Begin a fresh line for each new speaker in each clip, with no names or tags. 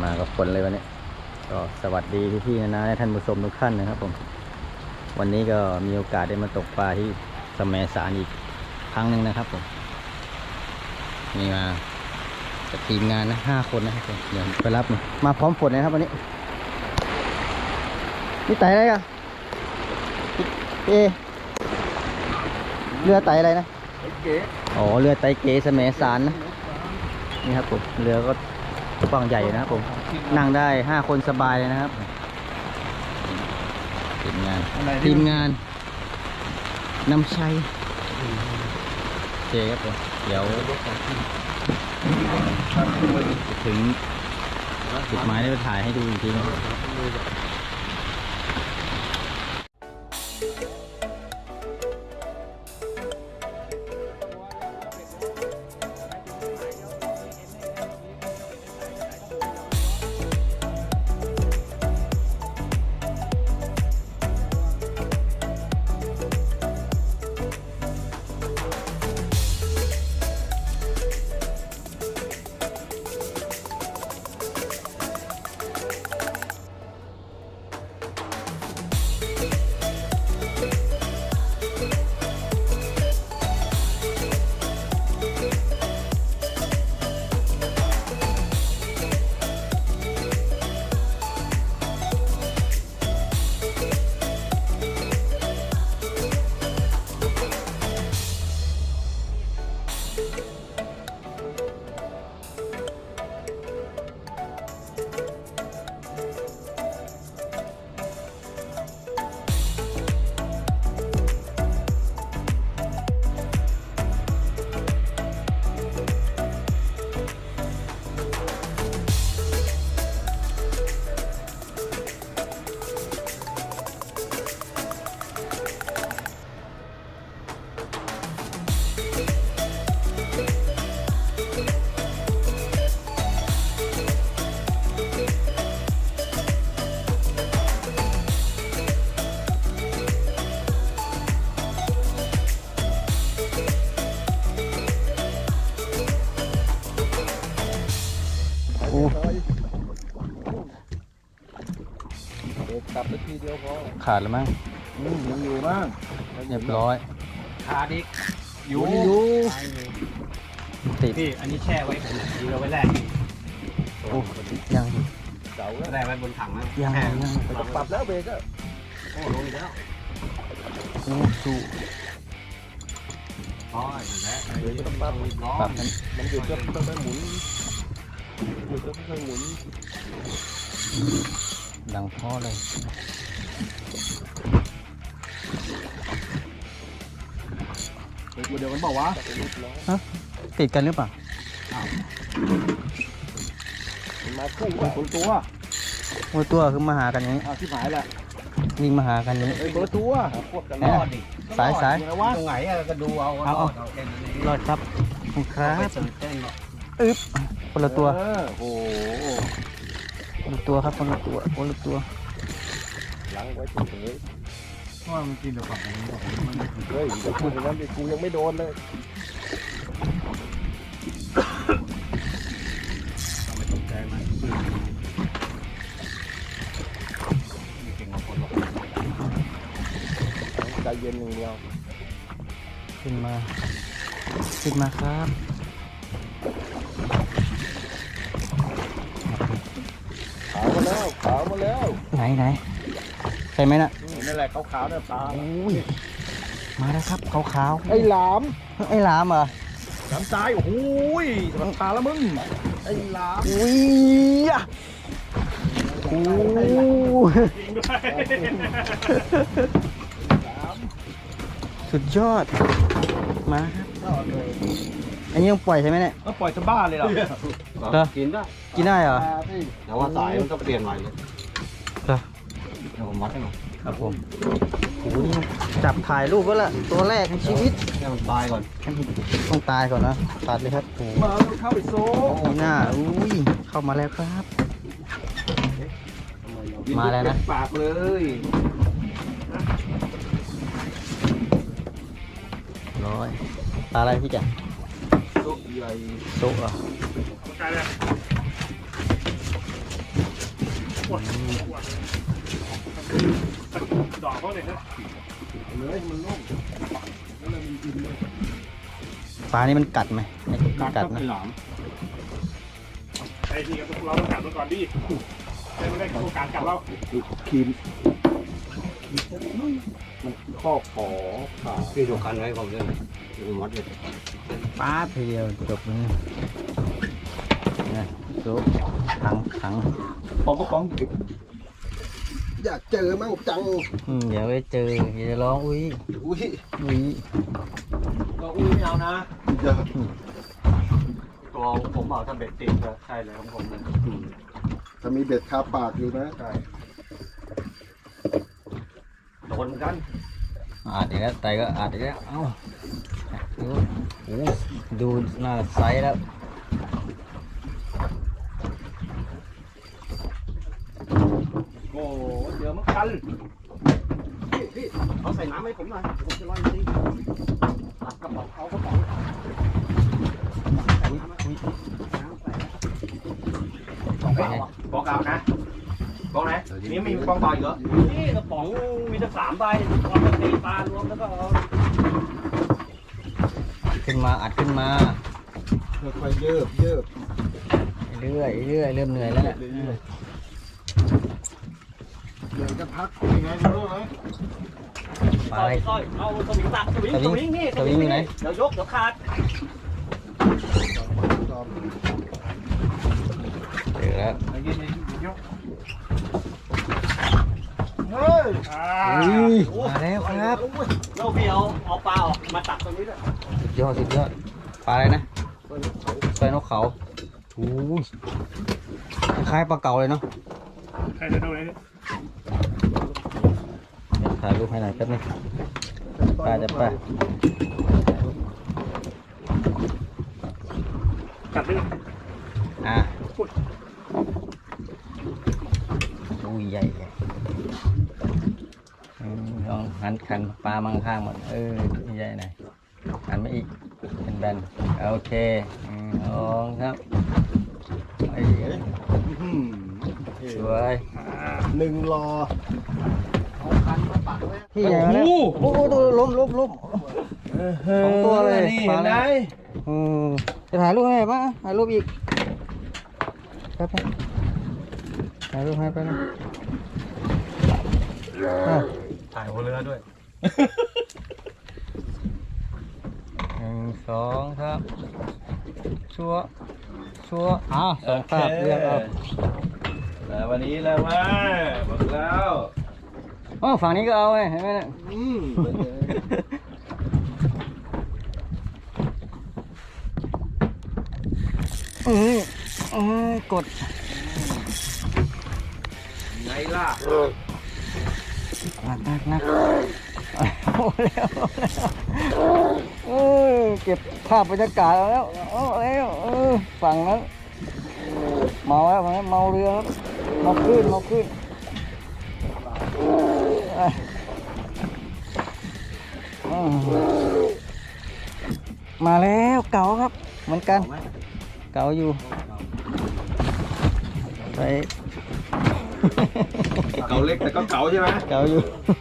มากับคนเลยวันนี้ก็สวัสดีพี่ๆนะท่านผู้ชมทุกท่านนะครับผมวันนี้ก็มีโอกาสได้มาตกปลาที่แสมสารอีกครั้งหนึ่งนะครับผมมีมากับทีมงานนะ5 คนนะครับผมเดี๋ยวไปรับมาพร้อมฝนนะครับวันนี้นี่ไต่อะไรกันเรือไต่อะไรนะอ๋อเรือไต่เก๋แสมสารนะนี่ครับผมเรือก็กว้างใหญ่นะครับผมนั่งได้5 คนสบายเลยนะครับทีมงานนำชัยโอเคครับผมเดี๋ยวถึงจุดหมายได้ไปถ่ายให้ดูอีกทีนะ
กลับไปทีเดียวพอ
ขาดแล้วมั้ง
ยังอยู่บ้าง
เรียบร้อย
ขาดอีกอยู่
ติด
พี่อันนี้แช่ไว้ผมดีเราไว้แรก
โอ้ยัง
เสา
แรกไว้บนถังนะ
ยัง
ปรับแล้วเบรกก็
โอ้ลงแล้ว
โอ้สู้
อ๋ออยู่แล้ว
เบรกต้องปรับมันหยุดก็ต้องหมุนหยุดก็ต้องหมุน
ดังพ่อเลย
เดี๋ยวมันบอกว่า
ติดกันหรือเปล่า
มาคู่คน
ตัวคือมาหากันอย่างนี้
ที่หายแหละ
วิ่งมาหากันนี้
คนตัวพวกกันรอดดิ
สาย
ตรงไหนก็ดูเอา
รอดครับครับอึ๊บคนละตัว
โอ้
คนละตัวครับคนละตัว
หลังไว้เฉย
เพราะมันกินแต่ฝั่งนี้
เฮ้ยจะพูดอย่างนั้นดิกูยังไม่โดนเลย
ไม่ตกใจมันเก่งกว่าคนหรอก
ใจเย็นอย่างเดียว
ขึ้นมาครับ
ขาวมาแล้ว
ไหนใช่ไหมน่ะ
นั่นแหละขาวเนี่ยปลา
มาแล้วครับขาว
ไอ้หลาม
เหรอ
หลามตายโอ้โหมันปลาแล้วมึงไอ้หลาม
อุ้ยโอ้สุดยอดมาครับอันนี้ต้องปล่อยใช่ไหมเนี่ย
ก็ปล่อยสบ้าเลยเหรอ
กิน
ได้เหรอ
แต่ว่าสายมันต้องเปลี่ยนใหม่เลย
เ
ดี๋ยวผมวัดให้หน่อย
ครับผมโอ้โหนี่จับถ่ายรูปก็ละตัวแรกในชีวิต
ให้มันตายก่อน
ต้องตายก่อนนะตัดเลยครับ
มาเข้าไปโซ่
หน้าอุ้ยเข้ามาแล้วครับมาแล้วนะ
ปากเลย
ร้อยปลาอะไรพี่จ๋า
โซ่ใหญ่
โซ่เหรอ
ดอกเขาเลยนะเลยมันนุ่มแล้วมันกินเลย
ปลานี่มันกัดไหมไม่กัดนะ
หลาม
ไอ้ที่เราต้องกัดมันก่อนดิไม่ได้โอกาสกัดเราคีมมันข้อขอขา
พี่ดูคันไว้ผมด้วยผมวัดเลย
ปลาทีเดียวจบเลยนะซุปถัง
ปองก็ปองอยากเจอมั่งจัง
เดี๋ยวไปเจอเดี๋ยวจะร้องอุ้ย
อุ้ย
อุ้ย
ก็อุ้ยไม่เอานะตัวผมเอาถ้าเบ็ดติดก็ใช่เลยของผมเลย
ถ้ามีเบ็ดคาปากอยู่นะใช่
โดนเหมือนกัน
อีกแล้วไตก็อีกแล้วเอ้าดูโอ้ดูหน้าไซส์แล้ว
โอ้เดี๋ยวมันกันพี่เอาใส่น้ำให้ผมหน่อยผมจะลอยจริงตัดกระป๋องเอากระป๋อง
อุ้ย
กองเปล่าอ่ะกองเปล่านะกองไหนนี่มีกองเปล่าอีกเหรอนี่กระป๋องมีตั้ง3 ใบเอาไปตีปลารวมแล้วก็เอา
ขึ้นมาอัดขึ้นมา
ค่อยๆเยิบเ
รื่อยเริ่มเหนื่อยแล้วเนี่ย
เดี๋ยวจะพักยังไงไม่รู้ไหม
ปลาอะไร
ต้อยเอาสวิงตักสวิงนี่
สวิงอยู่ไหน
เดี๋ยวยกเดี๋ยวขาด
เจอแล้ว
เฮ้ย
อุ้ยมาแล้วครับ
เราพี่เอาปลาออกมาตักตรงนี้ด้วย
สุดยอดปลาอะไรนะปลานกเขาโอ้ยคล้ายปลาเก๋าเลยเนาะ
ใครจะดูเลย
เดี๋ยวถ่ายรูปให้หน่อยแป๊บนึงปลาจะปลา
กัดเลย
อุ้ยใหญ่ลองหันขันปลามังข้างหมดใหญ่หน่อยหันมาอีกเป็นแบนโอเคลองครับสวย
1 รอ
พี่ใหญ่มาแล้วโอ้โหตัวล้ม2 ตัวเลย
นี่
ปลา
เห็นไหม
จะถ่ายรูปให้ป่ะถ่ายรูปอีกแป๊บนึงถ่ายรูปให้แป๊บนึง
ถ่ายหัวเรือด้วย
1 2ครับชัว2 ภาพเรียกเอา
แล้ววันนี้แล้วว่าบอกแล้ว
ฝั่งนี้ก็เอาไงเห็นไหมเนี่ยกด
ไงล่ะ
นักโอ้แล้วเก็บภาพบรรยากาศแล้วฝั่งนั้นเมาแล้วฝั่งนั้นเมาเรือครับเมาขึ้นมาแล้วเก๋าครับเหมือนกันเก๋าอยู่ไป
เก่าเล็กแต่ก็เก่าใช่ไหม
เก๋าอยู่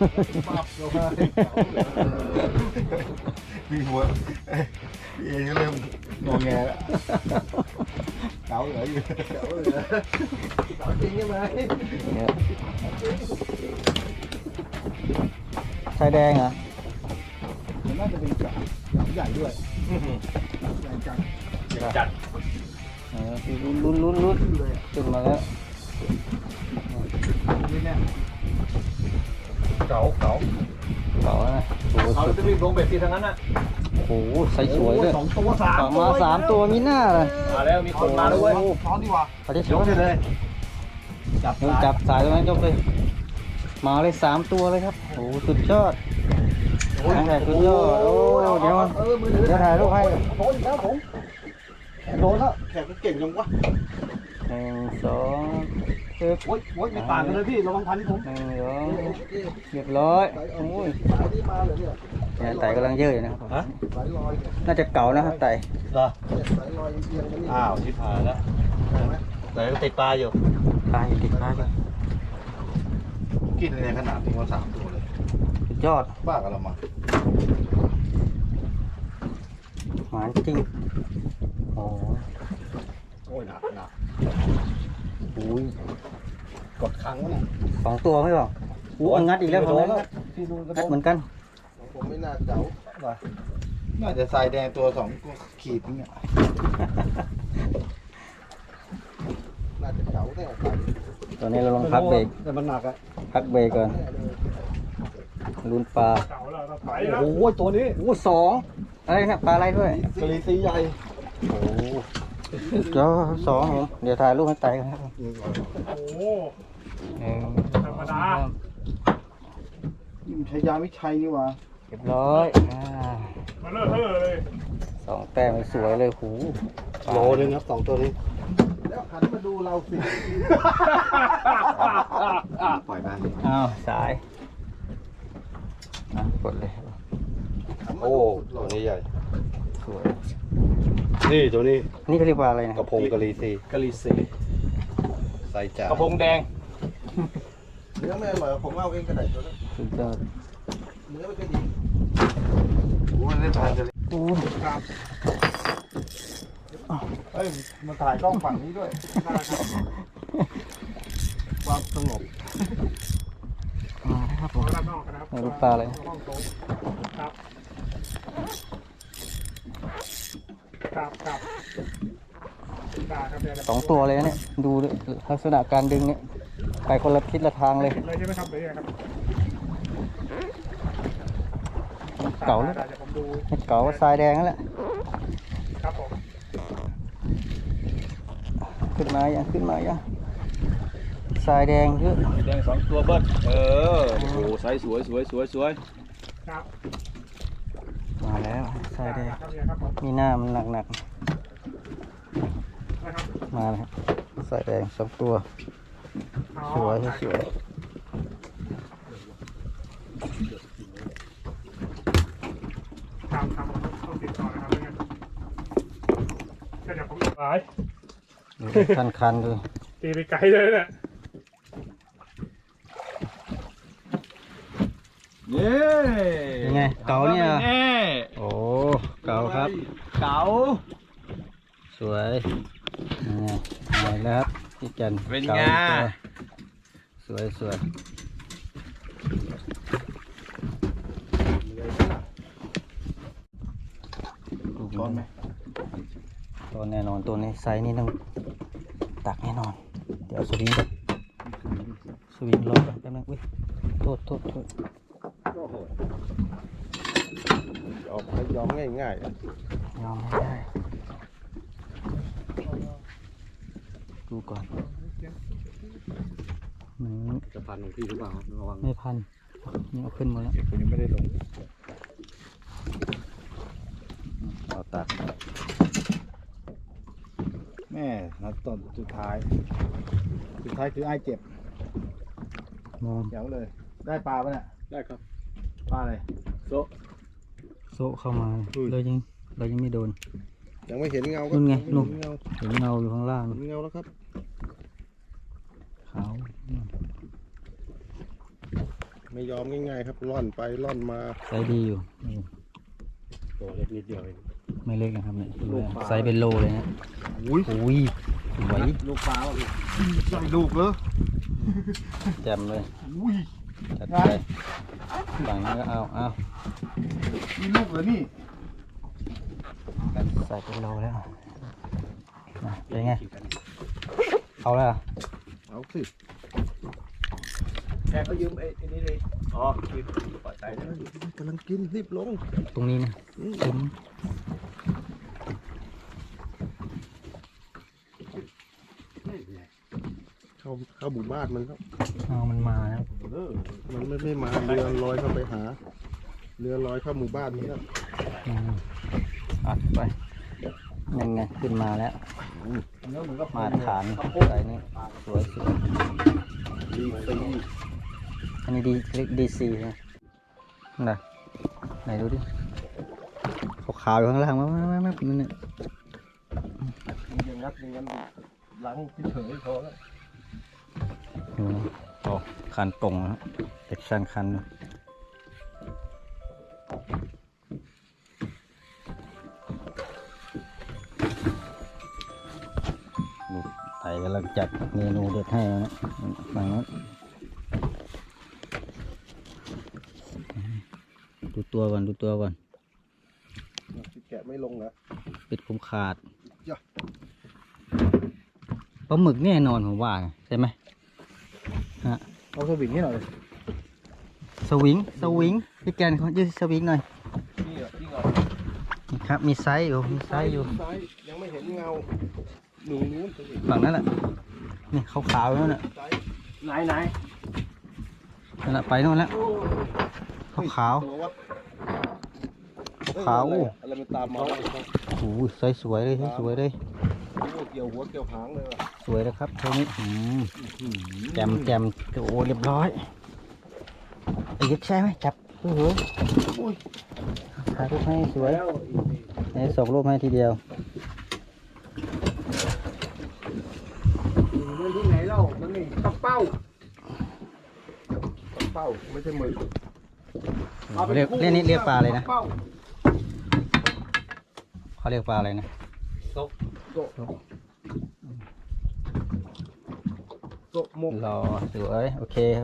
พี่หัวพี่เอเริ่มงอแงแล้วเก่าเหรออยู่เก่าจริงใช่ไหม
ชายแดงเหรอ
มันน่าจะเป็นเก่าใหญ่ด้วยใหญ่จัง
จัด
ลุ้นขึ้นมาแล้ว
นี่เนี่ยเก่า
เก๋านะโอ้โห
เขาจะรีบลงเบ็ดทีทั้งนั้นน่ะ
โอ้โหใส่สวยด้วย
2 ตัว 3
มา3 ตัวมีหน้าเลย
มาแล้วมีคนมาแล้วเว้ย
ช้อนดีกว่า
เขาจะ
ยกเลย
จับสายตรงนั้นยกเลยมาเลย3 ตัวเลยครับโอ้โหสุดยอดสุดยอดโอ้เดี๋ยวถ่ายรูปให้
โดนแล้วผมโดนแล้วแขกมันเก่งจังวะ
1 2ปึ๊บ
โอ๊ยมีปากกันเลยพี่ระวังพันผม
1 2เรียบร้อยโอ้ย
สายนี้มาเลยเนี่ย
เนี่ยไต่กำลังเยอะอยู่นะครับ
สายลอยเนี่ย
น่าจะเก่านะครับไต่
เหรอ
สายลอยเอียงๆมันนี่
อ้าวชิบหายแล้ว
เห็นไหม
แต่ก็ติดปลาอยู่
ปลาอยู่ติดปลาอยู่
กินในขนาดนี้ว่า3 ตัวเลย
สุดยอด
บ้ากันเรามา
หวานจริงโอ้
โอ้ยหนัก
อุ้ย
กดค้างวะเนี่ย
2 ตัวไม่บอกอู้เอางัดอีกแล้วผมงัด
พี่ดูกระ
งัด
โด
เหมือนกัน
ผมไม่น่าเก๋าว่ะน่าจะทรายแดงตัว2 ขีดเนี่ย น่าจะเก๋าแน่
ตอนนี้เราลองพักเบรก
แต่มันหนักอะ
พักเบรกก่อนลุ้นปลา
เก่าแล้วเราไปแล้ว
โอ้โหตัวนี้
โอ้2อะไรนะปลาอะไรด้วย
กะลีซีใหญ่
โอ้เจ้า2ผมเดี๋ยวถ่ายรูปให้ไต่กันครับ
โอ้โห ธรรมดา
นี่มันใช้ยาวิชัยนี่หว่า
เรียบร้อย
มาเลอะเทอะเลย
2 แต้มสวยเลยหู
โลนึงครับ2 ตัวนี้
แล้วหันมาดูเราสิ
ปล่อยบ้าง
อ้าวสายกดเลย
โอ้ตัวนี้ใหญ่
สวย
นี่ตัวนี้
นี่เขาเรียกว่าอะไรนะ
กระพงกะลีซี
กะลีซี
ใส่จ่าก
ระพงแดง
เนื้อไม่อร่อยผมเอาเองก็ได้ตัวนั้น
สุดยอด
เนื้อไม่ค่อยดีโอ้ยได้ทานกันเลย
โอ้
ครับ
เฮ้ยมาถ่ายกล้องฝั่งนี้ด้วย
ได้ครับ
ความสงบ
มาแล้วครับผม
ขอรับน้องนะครับ
ลูกปลาอะไร
ห้องโต๊ะครับครับได้ครับเดี๋ยว
2 ตัวเลยนะเนี่ยดูดิลักษณะการดึงเนี่ยไปคนละทิศละทางเลย
เลยใช่ไหมครับเดี๋ยวครับ
เก่าแล้ว
ได้เดี๋ยวผมดู
เก่าทรายแดงนั่นแหละ
ครับผม
ขึ้นมายังทรายแดงเยอะ
แดง2 ตัวเบิ้ลโอ้โหไซส์สวย
ครับ
มาแล้วทรายแดง
ครับเนี่ยครับผม
มีหน้ามันหนัก
นะครับ
ๆมาแล้วทรายแดง2 ตัว
อ๋อ
สวยสวย
ครับครับผมต้องติดต่อนะครับไม่งั้นเดี๋ยวผมไป
ดูคันๆดู
ตีไปไกลเลยเนี่ย
เย้
ยังไงเก่าเนี่ยโอ้เก่าครับ
เก๋า
สวยยังไงมาแล้วครับพี่จัน
เป็น
ก่า
ไง
ตัวสวยช้อนไหมตัวแน่นอนตัวนี้ไซส์นี่ต้องตักแน่นอน เดี๋ยวสวิงก่อนสวิงรอก่อนแป๊บนึงอุ้ยโทษ
ออกให้ยอมง่าย
ยอมไม่ได้ดูก่อนมัน
จะพันของพี่หรือเปล่าระวัง
ไม่พันนี่เอาขึ้นหมดแล้ว
ๆผมยังไม่ได้ลง
เอาตัก
แม่นะตอนสุดท้ายคือไอ้เจ็บ
มอง
เดี๋ยวเลย ได้ปลาปะเนี่ย
ได้ครับ
ปลาอะไร
โซ
โซะเข้ามาเลยยังไม่โดน
ยังไม่เห็นเงา
นู่นไง
เห็
นู่น
เงา
เห็นเงาอยู่ข้างล่าง
เห็นเงาแล้วครับ
ขาว
ไม่ยอมง่ายๆครับล่อนไปล่อนมา
ไซส์ดีอยู่
ตัวเล็กนิดเดียวเอง
ไม่เล็กนะครับเนี่ย
ลูกปลา
ไซส์เป็นโลเลยนะ
อุ้ย
อุ้ยสวย
ลูกปลาว่ะพี่
ใส่ลูกเลย
แจ่มเลย
อุ้ย
จัดไปฝั่งนี้ก็เอา
มีลูกเหรอนี่
ใส่เป็นโลแล้วนะเป็นไงเอาแล้วเหรอ
เอาสิ
แกก็ยืมไอ้นี่เลยอ๋อกินปล่อยใจนะ
กำลังกินรีบลง
ตรงนี้นะคุ้ม
เข้าหมู่บ้านมันก็
เอามันมาแล้ว
มันไม่มาเรือลอยเข้าไปหา เรือลอยเข้าหมู่บ้านนี่ก็
อัดไปยังไงขึ้นมาแล้ว
แล้วมันก็
มาฐานใส่นี่สวยสุด
ดีซี
อันนี้ดีซีนะน่ะไหนดูดิขาวๆอยู่ข้างล่างมานั่นเนี่ย
ยังงัดล้างเฉยๆพอแล้ว
ดูนะโอ้ขคันตรงนะเด็กช่างคันนะดูไต่กำลังจัดเมนูเด็ดให้นะฝั่งนั้นดูตัวก่อนดูตัวก่อน
แกะไม่ลงนะ
ปิดคุมขาด
จ้ะ
ปลาหมึกแน่นอนผมว่าใช่ไหมฮะ
เอาสวิงให้หน่อย
สวิงพี่แกนเขายืดสวิงหน่อย
นี่เหรอนี่เหรอ
นี่ครับมีไซส์อยู่มีไซส์อยู่
ซ้ายยังไม่เห็นเงาหนูนู้นสวิง
ฝั่งนั้นแหละนี่ขาวๆนั่นแหละ
ซ้าย
ไหนไหน
นั่นแหละไปโน่นแล้วขาว
ตัววัด
ขาว
อะไรมันตามมาแล้ว
ๆโอ้ยไซส์สวยเลยไซส์สวยเลย
เกี่ยวหัวเกี่ยวหางเลยว่ะ
สวยนะครับเท่านี้แจมโอ้เรียบร้อยไอ้ยึดใช่ไหมจับโอ้โหถ่ายรูปให้สวยให้ส่งรูปให้ทีเดียว
มันที่ไหนเล่ามันนี่ตะเป้า
เป้าไม่ใช่มือ
เรียกนี่เรียกปลาอะไรนะ
เป้า
เขาเรียกปลาอะไรนะ
โตะมก
รอสวยโอเคครับ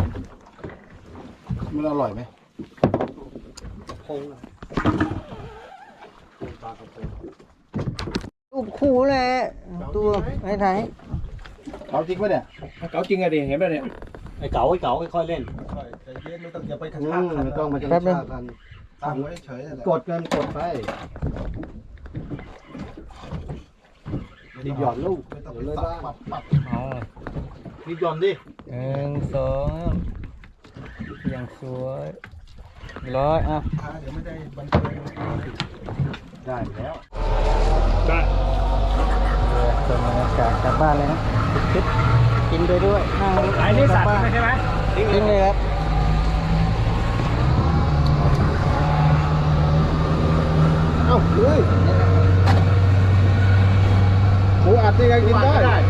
มันอร่อยไหม
คงอะปลากระพง
รูปคู่แหละตัวไหน
เอาจริงปะเนี่ย
เก๋าจริงอะดิเห็นไหมเนี่ยไอ้เก๋าค่อยๆเล่น
ใจเย็นไม่ต้องอย่าไปกระชากกันไม่ต้องมากระชากกันตั้งไว้เฉยๆ
กดกันกดไปรีบหย่อนลูก
ไม่ต้อง
เดี๋ยว
ไป
เลย
ปั
บ้า
ดปัด
ๆอ๋อ
รีบหย่อนดิ
1 2อย่างสวยร้อยอ่ะ
เดี๋ยวไม่ได้บันเทิง
ได้แล้ว
ได้
ส่วนบรรยากาศกลับบ้านเลยนะคิดกินไปด้วยนั่ง
ไอ้นี่สัตว์
กลับบ้าน
ใช่ไหม
ทิ้งเลยครับ
เอ้าเฮ้ยหมูอัดนี่ยังกินได้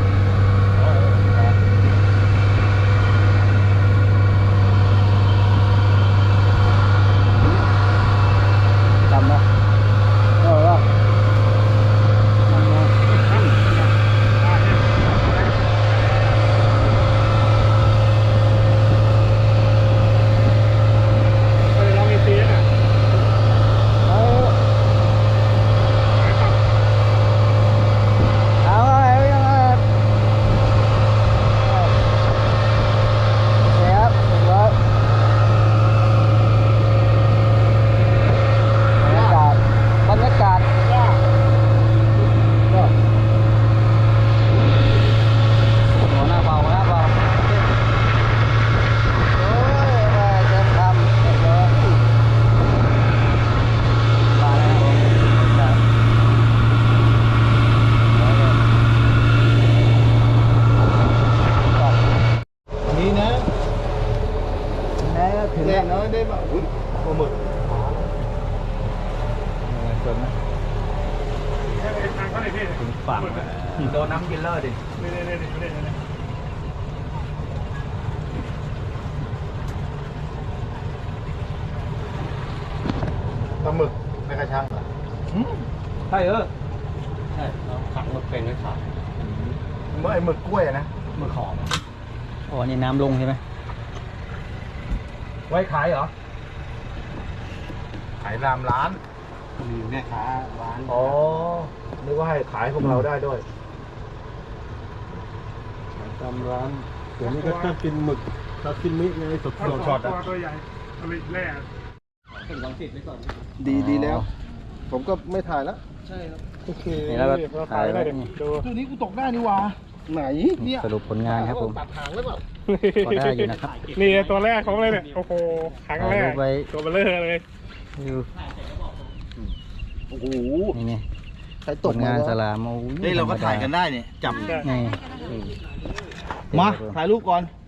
จำนะเออว่าเอาอะไรยังไงเสียบร้อยบรรยากาศหัวหน้าเบาหัวหน้าเบาโอ้ยเต็มคำเรียบร้อยมาแล้วครับ
นี่นะ
แล้วถึง
แน่
แล้ว
น้อยได้มาอุ้ยปลาหมึก
ส่วนนะ
ทางเขาเลยพี่
ถึงฝั่งแล้ว
โดนน้ำกินเลอร์ดิ
นี่
ปลาหมึกไม่กระชังเหรอ
ใช่ใช่เราขังหมึกเป็นไว้ขาย
เมื่อไอ้หมึกกล้วยอะนะ
หมึกหอม
อ๋อนี่น้ำลงใช่ไหม
ไว้ขายเหรอ
ขายรามร้าน
มีแม่ค้าร้าน
อ๋อนึกว่าให้ขายพวกเราได้ด้วยขายตามร้านเดี๋ยวนี้ก็ชอบกินหมึกซาซิมิไงสดๆช็อตๆอ่ะ
ตัวใหญ่ตัวแรก
ถึงวันติดไว้ก่อน
ดีแล้ว ผมก็ไม่ถ่ายแล้ว
ใช่ครับ
โอเค
นี่แล้วก็
เรา
ถ่า
ถ่าย ย
ไว้
ได้เดี๋ยว
นี่
ดู
ตัวนี้กูตกได้นี่หว่าไหนเนี่ย
สรุปผลงานครับผม
ตัดหางแล้วเปล่า
พอได้อยู่นะครับ
นี่ตัวแรกของเลยเนี่ยโอ้โหครั้งแร
ถ่ายรู
ก
ปไว้
ตัวเบลเลอร์เลย
อยู่
โอ้โห
นี่นี่
ใคร
ผ
ตก
ลงานสลามโอ้ย
นี่เราก็ถ่ายกันได้เนี่ยจับ
ได้
นี่
มาถ่ายรูปก่อน
โ